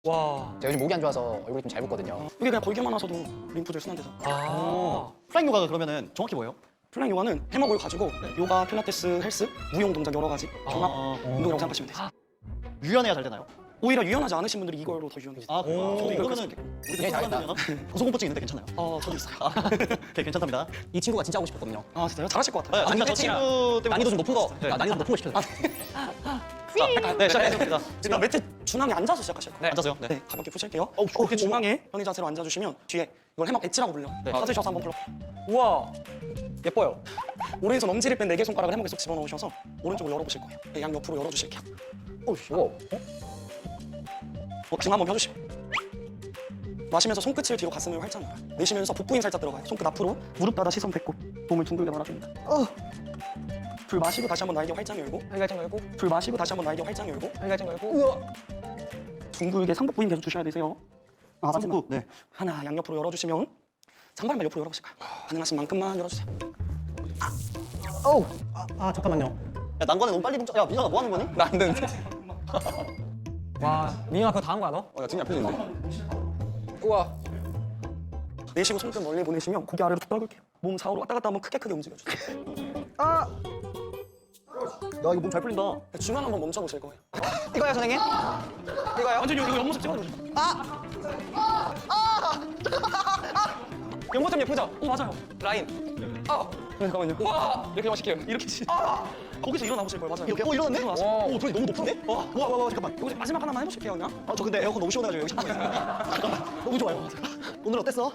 와. 제가 요즘 목이 안 좋아서 얼굴이 좀 잘 붓거든요. 이게 그냥 걸기만 하셔도 림프들 순환돼서. 플라잉 요가가 그러면은 정확히 뭐예요? 플라잉 요가는 해먹을 가지고 요가, 필라테스, 헬스, 무용 동작 여러 가지 종합 운동이라고 생각하시면 되세요. 유연해야 잘 되나요? 오히려 유연하지 않으신 분들이 이걸로 더 유연해요. 저도 이걸 그러면은 네, 잘했다. 고소공포증 있는데 괜찮아요? 저도 있어요. 오케이, 괜찮답니다. 이 친구가 진짜 하고 싶었거든요. 아 진짜요? 잘하실 것 같아요. 네, 진짜 저 친구 때문에 난이도 좀 높은 거, 네. 난이도 높은 거 시켜줘. 네, 시작하겠습니다. 일단 매트 중앙에 앉아서 시작하실 거예요. 앉아서요? 네. 네, 가볍게 푸실게요. 이렇게 중앙에 편의 자세로 앉아주시면 뒤에 이걸 해먹 엣지라고 불려. 네. 받으셔서 한번 불러. 우와. 예뻐요. 오른손 엄지를 뺀 4개 손가락을 해먹에 쏙 집어넣으셔서 오른쪽을 열어보실 거예요. 네, 양 옆으로 열어주실게요. 오. 등 한번 펴주시고. 마시면서 손끝을 뒤로 가슴을 활짝 열어요. 내쉬면서 복부 힘 살짝 들어가요. 손끝 앞으로, 무릎 닫아 시선 배꼽. 몸을 둥글게 말아줍니다. 불 마시고 다시 한번 날개 활짝 열고. 활짝 열고, 불 마시고 다시 한번 날개 활짝 열고. 활짝 열고. 우와. 둥글게 상복부 힘 계속 주셔야 되세요. 상복부. 네. 하나 양옆으로 열어주시면 장발만 옆으로 열어보실까요? 가능하신 만큼만 열어주세요. 잠깐만요. 야, 난관에 너무 빨리 뭉쳐. 야, 민혁아 뭐 하는 거니? 나 안 되는데. 와, 민영아 그거 다 한 거야 너? 야, 등이 안 펴지는데? 우와. 내쉬고 손끝 멀리 보내시면 고개 아래로 툭 떨굴게요. 몸 좌우로 왔다 갔다 한번 크게 움직여주세요. 야, 이거 몸 잘 풀린다. 중간 한번 멈춰보실 거예요. 이거요, 선생님? 이거요? 완전히 이거 옆모습 찍어주세요. 연모 좀 예쁘죠? 맞아요. 라인. 잠깐만요. 와. 이렇게 멋있게요. 이렇게 거기서 일어나보실 거예요. 맞아요. 이렇게? 일어났네? 일어나세요. 오, 저기 너무 높은데? 와, 잠깐만. 여기서 마지막 하나만 해보실게요 그냥. 저 근데 에어컨 너무 시원해가지고 여기 잠깐만. 잠깐만. 너무 좋아요. 오늘 어땠어?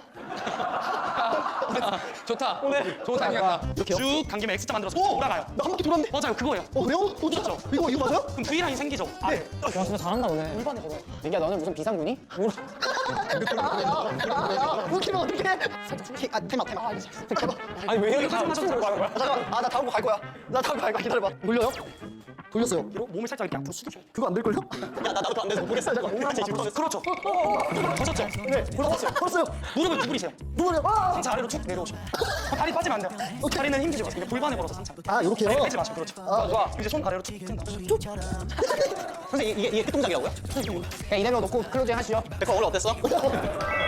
좋다. 오늘 좋은 타이밍 같다. 이렇게요? 쭉 당기면 X자 만들어서 오! 돌아가요. 나 한 바퀴 돌았는데? 맞아요, 그거예요. 그래요? 진짜? 이거 맞아요? 그럼 V 라인 생기죠? 네. 야, 진짜 잘한다 오늘. 골반에 걸어요. 민기야, 너는 무슨 비상군이? 웃기면 어떡해? 테마. 아니 왜 이렇게 맞아, 춤을 가는 거야? 잠깐만. 나 다음 거 갈 거야. 나 다음 거 갈 거야. 기다려봐. 돌려요? 돌렸어요. 몸을 살짝 이렇게 앞으로 숙여줘요. 그거 안 될걸요? 야, 나부터 안 돼서 못 보겠어. 잠깐. 그렇죠. 더셨죠? 네, 걸었어요. 무릎을 구부리세요. 누구래요? 상체 아래로 쭉 내려오시고. 다리 빠지면 안 돼요. 다리는 힘주지 마세요. 이게 골반에 걸어서 상체. 아, 요렇게요? 빼지 마시고, 그렇죠. 좋아. 이제 손 아래로 쭉 쭉. 선생님, 이게 끝 동작이라고요? 그냥 이대로 놓고 클로징 하시죠. 백화 오늘 어땠어?